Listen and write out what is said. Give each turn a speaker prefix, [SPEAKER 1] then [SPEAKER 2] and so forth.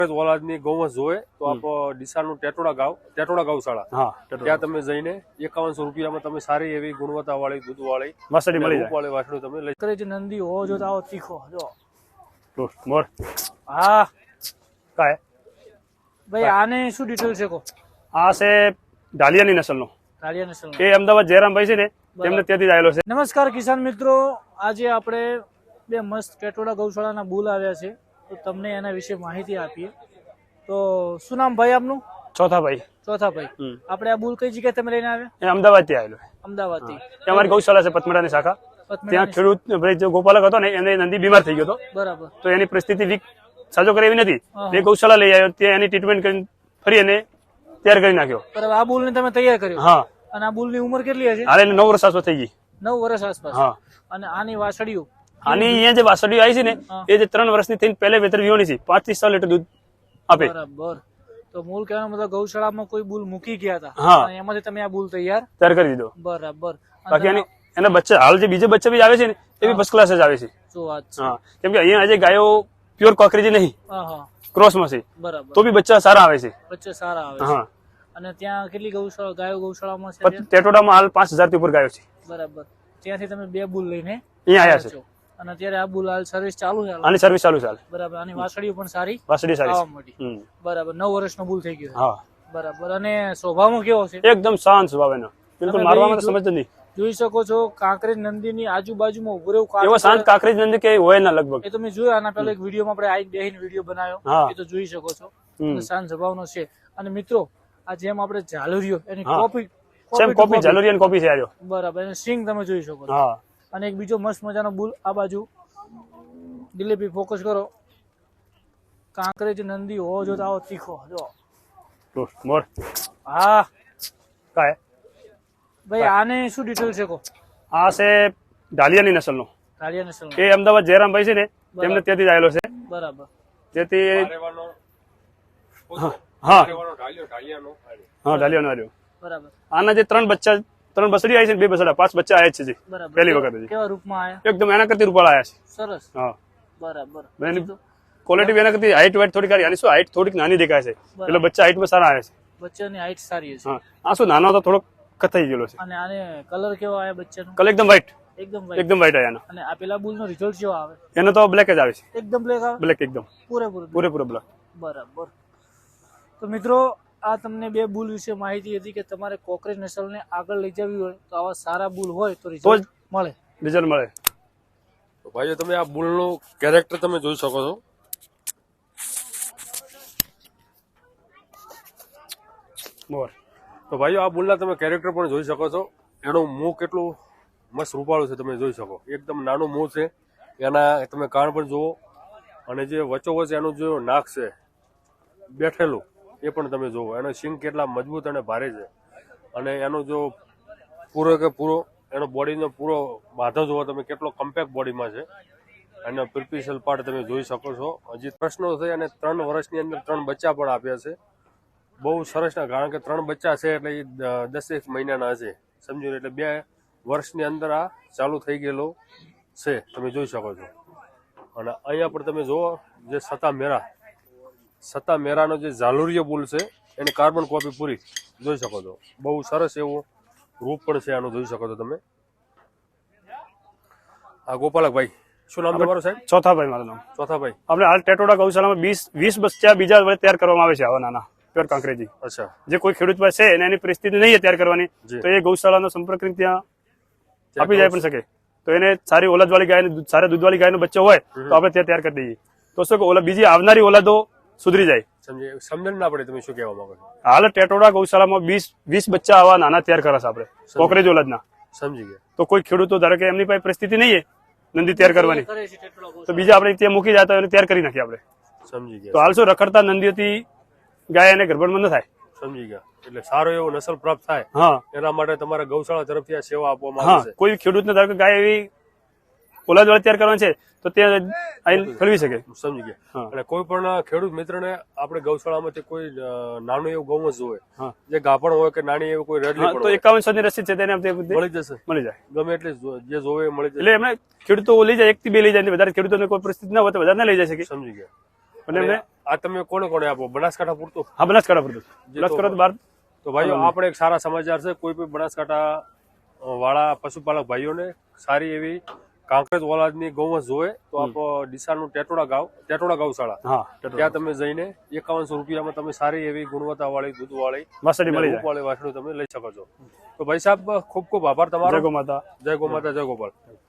[SPEAKER 1] ઓલાદની ગૌવંશ જોવે તો આપ ડીસાનું ટેટોડા ગૌશાળા ત્યાં તમે જઈને 5100 રૂપિયામાં તમે સારી એવી ગુણવત્તાવાળી દૂધવાળી વાસળી મળી જાય. વાળી વાસળી તમે લઈ
[SPEAKER 2] કરે છે. નંદી હો જો આવો તીખો જો
[SPEAKER 1] મોર
[SPEAKER 2] હા
[SPEAKER 1] કાય
[SPEAKER 2] ભાઈ આને શું ડિટેલ છે કો?
[SPEAKER 1] આ છે ઢાલિયાની નસલનો.
[SPEAKER 2] ઢાલિયા નસલનો.
[SPEAKER 1] એ અમદાવાદ જયરામભાઈ છે ને તેમને ત્યાંથી જ આવેલો છે.
[SPEAKER 2] નમસ્કાર કિસાન મિત્રો, આજે આપણે બે મસ્ત ટેટોડા ગૌશાળાના બુલ આવ્યા છે તો તમને એના વિશે માહિતી આપીએ. તો શું નામ ભાઈ આપનું?
[SPEAKER 1] ચોથાભાઈ.
[SPEAKER 2] આપણે આ બુલ કઈ જગ્યાએ તમે લઈને આવ્યા?
[SPEAKER 1] એ અમદાવાદ થી આવેલો.
[SPEAKER 2] અમદાવાદ થી.
[SPEAKER 1] અમારી ગૌશાળા છે પથમડાની શાખા. ત્યાં ખેડૂત જે ગોપાલક હતો ને એને નંદી બીમાર થઈ ગયો હતો.
[SPEAKER 2] બરાબર. તો
[SPEAKER 1] એની પરિસ્થિતિ વીક સાજો કરે એવી નથી. એ ગૌશાળા લઈ આવ્યો, ત્યાં એની ટ્રીટમેન્ટ કરીને ફરી એને તૈયાર કરી નાખ્યો.
[SPEAKER 2] બરાબર. આ બુલ ને તમે તૈયાર કર્યો?
[SPEAKER 1] હા.
[SPEAKER 2] અને આ બુલ ની ઉંમર કેટલી હશે?
[SPEAKER 1] હાલે 9 વર્ષ આસપાસ થઈ ગઈ.
[SPEAKER 2] 9 વર્ષ આસપાસ.
[SPEAKER 1] હા.
[SPEAKER 2] અને આની વાસળીઓ
[SPEAKER 1] આની અહીંયા જે વાસળીઓ આવી છે ને એ જે 3 વર્ષની થઈને પહેલે વેતર વિહોણી છે, 5 થી 6 લીટર દૂધ આપે.
[SPEAKER 2] બરાબર. તો મૂળ કહેવાનો મતલબ ગૌશાળામાં કોઈ બુલ મૂકી ગયા હતા અને એમાંથી તમે આ બુલ તૈયાર
[SPEAKER 1] કરી દીધો.
[SPEAKER 2] બરાબર.
[SPEAKER 1] બાકી એના બચ્ચા હાલ જે બીજે બચ્ચા બી આવે છે ને એ બી ફર્સ્ટ ક્લાસ જ આવે છે.
[SPEAKER 2] શું વાત છે?
[SPEAKER 1] હા, કેમ કે અહીંયા આજે ગાયો પ્યોર કોકરેજી નહીં, ક્રોસમાં છે.
[SPEAKER 2] બરાબર.
[SPEAKER 1] તો બી બચ્ચા સારા આવે છે.
[SPEAKER 2] બચ્ચા સારા આવે છે.
[SPEAKER 1] હા.
[SPEAKER 2] અને ત્યાં કેટલી ગૌશાળામાં છે?
[SPEAKER 1] ટેટોડામાં હાલ 5000 થી ઉપર ગાયો છે.
[SPEAKER 2] બરાબર. ત્યાંથી તમે બે બુલ લઈને
[SPEAKER 1] અહીંયા આવ્યા છે.
[SPEAKER 2] અને અત્યારે આ બુલ હાલ સર્વિસ ચાલુ છે?
[SPEAKER 1] આની સર્વિસ ચાલુ છે.
[SPEAKER 2] બરાબર. આની વાસળીઓ પણ સારી
[SPEAKER 1] આવવા
[SPEAKER 2] મળી. બરાબર. 9 વર્ષનો બુલ થઈ ગયો.
[SPEAKER 1] હા.
[SPEAKER 2] બરાબર. અને સ્વભાવમાં કેવો છે?
[SPEAKER 1] એકદમ શાંત સ્વભાવ એનો, બિલકુલ મારવામાં સમજ નહીં.
[SPEAKER 2] જોઈ શકો છો કાંકરેજ નંદીની આજુબાજુમાં ઉભો રહ્યું.
[SPEAKER 1] એવો શાંત કાંકરેજ નંદી કે હોય ના લગભગ.
[SPEAKER 2] એ તમે જોયું આના પહેલા એક વિડીયોમાં આપણે આઈ બેહીને વિડીયો બનાવ્યો, એ તો જોઈ શકો છો. શાંત સ્વભાવનો છે. અને મિત્રો આ જેમ આપણે ઝાલુરિયો એની કોપી
[SPEAKER 1] ઝાલુરિયન કોપી છે આર્યો.
[SPEAKER 2] બરાબર. અને સિંગ તમે જોઈ શકો છો.
[SPEAKER 1] હા.
[SPEAKER 2] અને એક બીજો મસ્ત મજાનો બુલ આ બાજુ. દિલીપી ફોકસ કરો. કાંકરેજ નંદી હો જો આવો તીખો જો
[SPEAKER 1] મોર
[SPEAKER 2] હા
[SPEAKER 1] કાય
[SPEAKER 2] ભાઈ આને શું ડિટેલ છે કો?
[SPEAKER 1] આ છે ઢાલિયાની નસલનો.
[SPEAKER 2] ઢાલિયા નસલનો.
[SPEAKER 1] એ અમદાવાદ જયરામભાઈ છે ને તેમને ત્યાંથી જ આવેલો છે.
[SPEAKER 2] બરાબર.
[SPEAKER 1] જેથી હા ઢાલિયાનો આવ્યો.
[SPEAKER 2] બરાબર.
[SPEAKER 1] આના જે 3 બસડી આવી છે ને 2 બસડા 5 બચ્ચા આવ્યા છે. પહેલી વખત
[SPEAKER 2] કેવા રૂપમાં આવ્યા?
[SPEAKER 1] એકદમ એના કરતી રૂપાળા આવ્યા છે.
[SPEAKER 2] સરસ.
[SPEAKER 1] હા.
[SPEAKER 2] બરાબર.
[SPEAKER 1] એની ક્વોલિટી એના કરતી હાઈટ વાઈટ થોડી સારી. આની શું હાઈટ થોડીક નાની દેખાય છે, એટલે બચ્ચા હાઈટમાં સારા આવે છે.
[SPEAKER 2] બચ્ચાની હાઈટ સારી છે.
[SPEAKER 1] હા. આ શું નાનો તો થોડોક કથાઈ ગયેલો છે.
[SPEAKER 2] અને આને કલર કેવો આવ્યા બચ્ચાનો?
[SPEAKER 1] કલર એકદમ વ્હાઈટ.
[SPEAKER 2] એકદમ
[SPEAKER 1] વ્હાઈટ આવ્યા.
[SPEAKER 2] અને આ પેલા બુલ નો રિઝલ્ટ કેવો આવે?
[SPEAKER 1] એનો તો બ્લેક જ આવે છે.
[SPEAKER 2] એકદમ બ્લેક આવે?
[SPEAKER 1] બ્લેક એકદમ પૂરેપૂરો બ્લેક.
[SPEAKER 2] બરાબર. તો મિત્રો આ તમને બે બુલ વિશે માહિતી હતી કે તમારે કોકરેજ નસલને આગળ લઈ જવી હોય તો આવા સારા બુલ હોય તો રિઝલ્ટ મળે.
[SPEAKER 1] તો ભાઈઓ તમે આ બુલનું કેરેક્ટર તમે જોઈ શકો છો. તો ભાઈઓ આ બુલના તમે કેરેક્ટર પણ જોઈ શકો છો. એનું મું કેટલું મસ્ત રૂપાળું છે તમે જોઈ શકો. એકદમ નાનું મું છે. એના તમે કાન પણ જુઓ, અને જે વચ્ચોવચ્ચ એનું જે નાક છે બેઠેલું એ પણ તમે જુઓ. એનો સિંગ કેટલા મજબૂત અને ભારે છે. અને એનો જો પૂરો એનો બોડીનો પૂરો બાધો જુઓ તમે કેટલો કમ્પેક્ટ બોડીમાં છે. એનો પ્રિપિશલ પાર્ટ તમે જોઈ શકો છો. હજી પ્રશ્નો છે. અને 3 વર્ષની અંદર 3 બચ્ચા પણ આપ્યા છે. બહુ સરસ ના, કારણ કે 3 બચ્ચા છે એટલે એ 10 મહિનાના હશે, સમજો. એટલે 2 વર્ષની અંદર આ ચાલુ થઈ ગયેલો છે, તમે જોઈ શકો છો. અને અહીંયા પણ તમે જુઓ જે સતા મેરાનો જે ઝાલુરિયો બુલ છે એની કાર્બન કોપી પૂરી જોઈ શકો છો. બહુ સરસ એવું રૂપ પણ છે આનું, જોઈ શકો છો તમે. આ ગોપાલકભાઈ, શું નામ તમારું સાહેબ? ચોથાભાઈ. મારું નામ ચોથાભાઈ. આપણે હાલ ટેટોડા ગૌશાળામાં 20 બચ્ચા બીજા વડે તૈયાર કરવામાં આવે છે. આવા નાના પ્યોર કાંકરેજી. અચ્છા. જે કોઈ ખેડૂત પાસે છે અને એની પરિસ્થિતિ નહીં તૈયાર કરવાની તો એ ગૌશાળાનો સંપર્ક કરીને ત્યાં આપી જાય પણ શકે. તો એને સારી ઓલાદવાળી ગાય, સારા દૂધવાળી ગાયનો બચ્ચો હોય તો આપણે ત્યાં તૈયાર કરી દઈએ. તો શું કે બીજી આવનારી ઓલાદો સુધરી જાય. સમજણ ના પડે તમે શું કહેવા માંગો છો? હાલ ટેટોડા ગૌશાળામાં 20 બચ્ચા આવા નાના તૈયાર કરે છે આપણે, કોકરેજ ઓલાદના. સમજી ગયા. તો કોઈ ખેડૂતો ધારો કે એમની પાસે પરિસ્થિતિ નહીં નંદી તૈયાર કરવાની તો બીજા આપણે ત્યાં મૂકી જતા એને તૈયાર કરી નાખીએ આપણે. સમજી ગયા. તો હાલ શું રખડતા નંદીઓથી ગાય અને ગરબડમાં ન થાય. સમજી ગયા. એટલે સારો એવો નસલ પ્રાપ્ત થાય. હા. એના માટે તમારા ગૌશાળા તરફથી આ સેવા આપવામાં આવે છે. કોઈ ખેડૂતને ધારો કે ગાય એવી ઓલાદવાળી તૈયાર કરવાની છે તો ત્યાં ખરીદી શકે. સમજી ગયા. અને કોઈ પણ ખેડૂત મિત્રને આપણે ગૌશાળામાંથી કોઈ નાનું એવું ગૌવંશ હોય, જે ગાભણ હોય કે નાની એવું કોઈ રેડલી, તો 5100 ની રસીદ છે તેને મળી જશે. મળી જાય. ગમે એટલે જે જોવે મળી જાય. એટલે એમને ખેડૂતો લઈ જાય, 1 થી 2 લઈ જાય. વધારે ખેડૂતોને કોઈ પરિસ્થિતિ ના હોય તો વધારે ના લઈ જાય શકે. સમજી ગયા. અને એમને
[SPEAKER 3] આ તમે કોને કોને આપો? બનાસકાંઠા પૂરતું?
[SPEAKER 1] હા બનાસકાંઠા પૂરતું બનાસકાંઠા બહાર
[SPEAKER 3] તો ભાઈઓ આપણે એક સારા સમાચાર છે, કોઈ પણ બનાસકાંઠા વાળા પશુપાલક ભાઈઓને સારી એવી કાંકરેજ ઓલાદની ગૌવંશ જોવે તો આપ ડીસાનું ટેટોડા ગૌશાળા,
[SPEAKER 1] હા
[SPEAKER 3] ત્યાં તમે જઈને 5100 રૂપિયામાં તમે સારી એવી ગુણવત્તા વાળી દૂધ વાળી
[SPEAKER 1] વાસળી મળી જાય.
[SPEAKER 3] વાળી વાસણું તમે લઈ શકો છો. તો ભાઈ સાહેબ ખૂબ ખૂબ આભાર તમારો.
[SPEAKER 1] જય ગો માતા.
[SPEAKER 3] જય ગો માતા, જય ગોપાલ.